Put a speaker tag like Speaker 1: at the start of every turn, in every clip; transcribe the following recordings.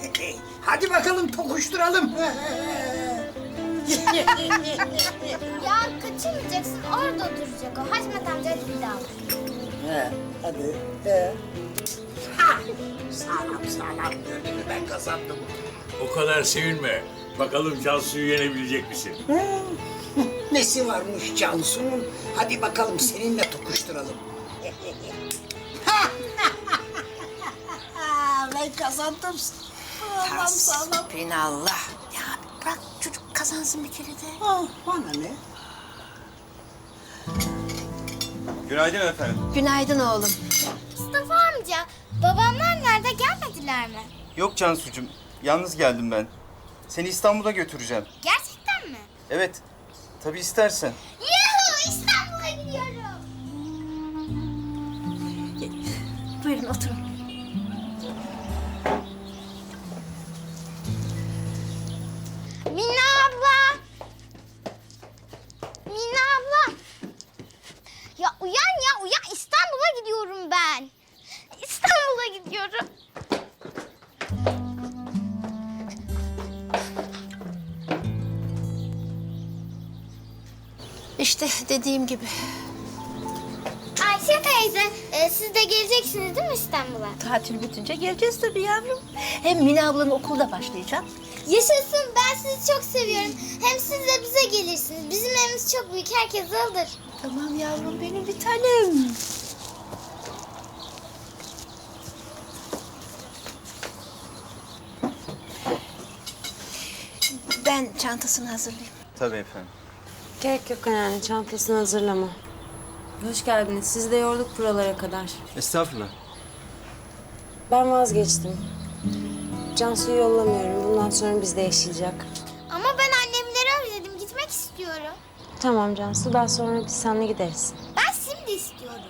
Speaker 1: Hadi bakalım tokuşturalım.
Speaker 2: Ya kaçırmayacaksın, orada duracak o. Haşmet amca hadi bir daha.
Speaker 1: Hadi. Sağlam gördün, ben kazandım.
Speaker 3: O kadar sevinme. Bakalım Cansu'yu yenebilecek misin?
Speaker 1: Nesi varmış Cansu'nun? Hadi bakalım seninle tokuşturalım. Ben kazandım. Sağlam.
Speaker 4: Hasbinallah. Ya bırak çocuk kazansın bir kere de.
Speaker 1: Bana ne?
Speaker 5: Günaydın efendim.
Speaker 4: Günaydın oğlum.
Speaker 2: Mustafa amca, babamlar nerede, gelmediler mi?
Speaker 5: Yok Cansucuğum, yalnız geldim ben. Seni İstanbul'a götüreceğim.
Speaker 2: Gerçekten mi?
Speaker 5: Evet, tabii istersen.
Speaker 2: Yuhu, İstanbul'a gidiyorum.
Speaker 4: Buyurun oturun.
Speaker 2: Mina abla. Mina abla. Ya uyan, İstanbul'a gidiyorum ben. İstanbul'a gidiyorum.
Speaker 4: İşte dediğim gibi.
Speaker 2: Ayşe teyze, siz de geleceksiniz değil mi İstanbul'a?
Speaker 4: Tatil bitince geleceğiz tabii yavrum. Hem Mine ablanın okulda başlayacak.
Speaker 2: Yaşasın, ben sizi çok seviyorum. Hem siz de bize gelirsiniz. Bizim evimiz çok büyük, herkes alır.
Speaker 4: Tamam yavrum benim bir tanem. Ben çantasını hazırlayayım.
Speaker 5: Tabii efendim.
Speaker 6: Gerek yok anneanne, çantasını hazırlama. Hoş geldiniz. Sizi de yorduk buralara kadar.
Speaker 5: Estağfurullah.
Speaker 6: Ben vazgeçtim. Cansu'yu yollamıyorum. Bundan sonra bizde yaşayacak.
Speaker 2: Ama ben annemleri özledim, gitmek istiyorum.
Speaker 6: Tamam Cansu, daha sonra biz seninle gideriz.
Speaker 2: Ben şimdi istiyorum.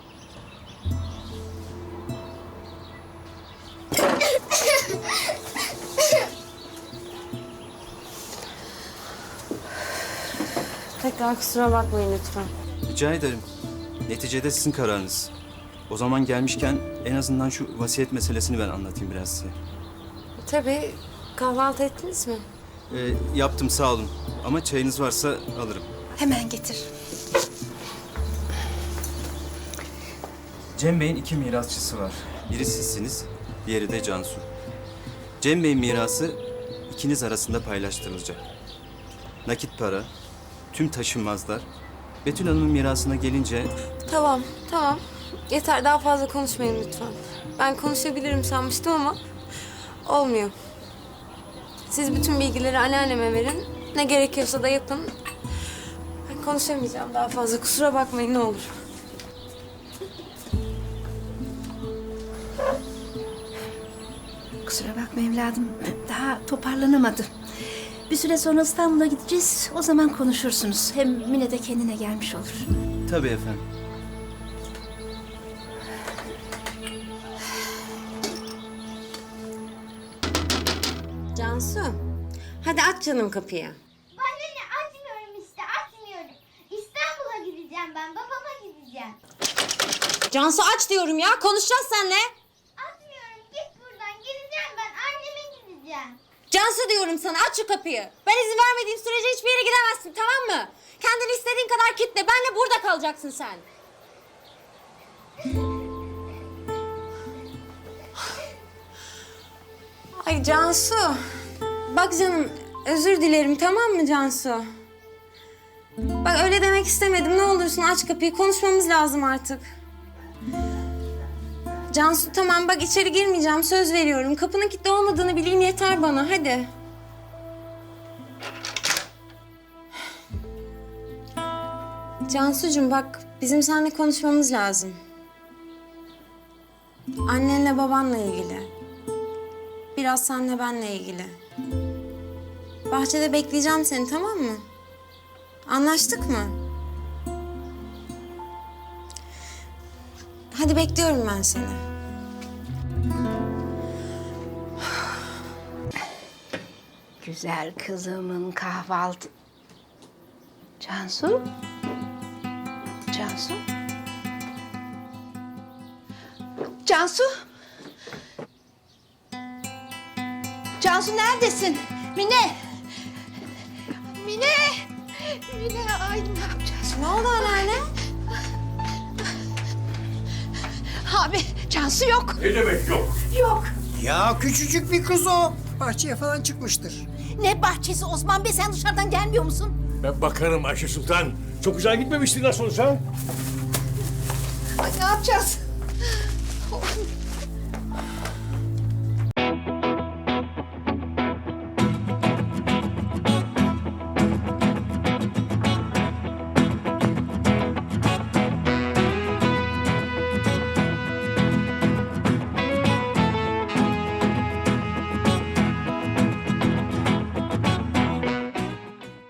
Speaker 6: Tekrar kusura bakmayın lütfen.
Speaker 5: Rica ederim. Neticede sizin kararınız. O zaman gelmişken en azından şu vasiyet meselesini ben anlatayım biraz size.
Speaker 6: Tabii, kahvaltı ettiniz mi?
Speaker 5: Yaptım sağ olun. Ama çayınız varsa alırım.
Speaker 4: Hemen getir.
Speaker 5: Cem Bey'in 2 mirasçısı var. Biri sizsiniz, diğeri de Cansu. Cem Bey'in mirası ikiniz arasında paylaştırılacak. Nakit para, tüm taşınmazlar. Betül Hanım'ın mirasına gelince
Speaker 6: Tamam. Yeter, daha fazla konuşmayın lütfen. Ben konuşabilirim sanmıştım ama olmuyor. Siz bütün bilgileri anneanneme verin. Ne gerekiyorsa da yapın. Ben konuşamayacağım daha fazla. Kusura bakmayın ne olur.
Speaker 4: Kusura bakma evladım. Daha toparlanamadı. Bir süre sonra İstanbul'a gideceğiz. O zaman konuşursunuz. Hem Mine de kendine gelmiş olur.
Speaker 5: tabii efendim.
Speaker 6: Cansu, hadi aç canım kapıyı.
Speaker 2: Bana ne, açmıyorum işte, açmıyorum. İstanbul'a gideceğim ben, babama gideceğim.
Speaker 6: Cansu aç diyorum ya, konuşacağız seninle.
Speaker 2: Açmıyorum, git buradan, gideceğim ben, anneme gideceğim.
Speaker 6: Cansu diyorum sana, aç şu kapıyı. Ben izin vermediğim sürece hiçbir yere gidemezsin, tamam mı? Kendini istediğin kadar kitle, benle burada kalacaksın sen. Ay Cansu, bak canım, özür dilerim, tamam mı Cansu? Bak öyle demek istemedim, ne olursun aç kapıyı, konuşmamız lazım artık. Cansu tamam, bak içeri girmeyeceğim, söz veriyorum. Kapının kilitli olmadığını bileyim yeter bana, hadi. Cansucuğum bak, bizim seninle konuşmamız lazım. Annenle babanla ilgili. Biraz senle benle ilgili. Bahçede bekleyeceğim seni, tamam mı? Anlaştık mı? Hadi bekliyorum ben seni.
Speaker 4: Güzel kızımın kahvaltı... Cansu? Cansu? Cansu? Cansu neredesin? Mine! Mine! Mine, ay ne yapacağız?
Speaker 6: Ne oldu anneanne?
Speaker 4: Abi, Cansu yok.
Speaker 3: Ne demek yok?
Speaker 4: Yok.
Speaker 1: Ya küçücük bir kız o. Bahçeye falan çıkmıştır.
Speaker 4: Ne bahçesi Osman Bey, sen dışarıdan gelmiyor musun?
Speaker 3: Ben bakarım Ayşe Sultan. Çok güzel gitmemişti nasıl olsa.
Speaker 4: Ay ne yapacağız?